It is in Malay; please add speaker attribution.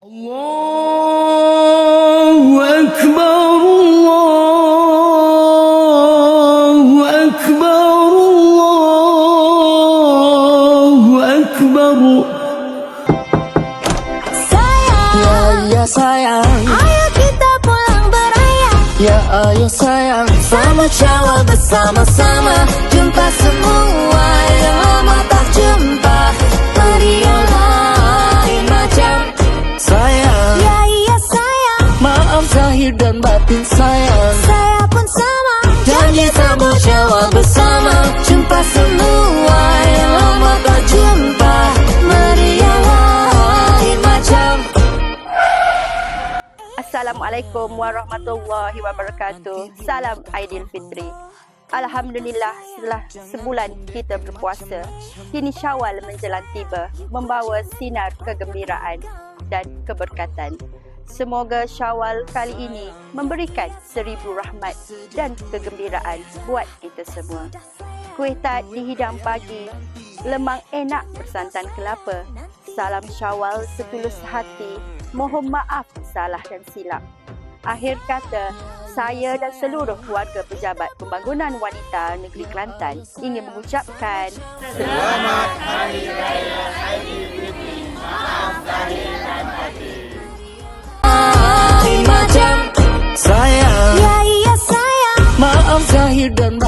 Speaker 1: Allahu Akbar, Allahu Akbar, Allahu Akbar.
Speaker 2: Sayang, ya sayang,
Speaker 3: ayo kita pulang beraya.
Speaker 2: ya ayo sayang, sama Syawal bersama-sama. Jumpa semua yang lama tak jumpa, meriah lain macam. Sayang,
Speaker 3: Ya iya sayang,
Speaker 2: maaf zahir dan batin sayang.
Speaker 3: saya pun sama.
Speaker 2: Janji sambut Syawal bersama. Jumpa semua yang lama tak jumpa, meriah lain macam.
Speaker 4: Assalamualaikum warahmatullahi wabarakatuh. Salam Aidilfitri. Alhamdulillah, setelah sebulan kita berpuasa, kini Syawal menjelang tiba, membawa sinar kegembiraan dan keberkatan. Semoga Syawal kali ini memberikan 1000 rahmat dan kegembiraan buat kita semua. Kuih tat dihidang pagi, lemang enak bersantan kelapa. Salam Syawal setulus hati, mohon maaf salah dan silap. Akhir kata, saya dan seluruh keluarga pejabat pembangunan wanita negeri Kelantan ingin mengucapkan Selamat Hari Raya Aidilfitri. Maaf lahir dan batin.
Speaker 2: Lain macam. Sayang,
Speaker 3: Ya iya sayang,
Speaker 2: maaf zahir dan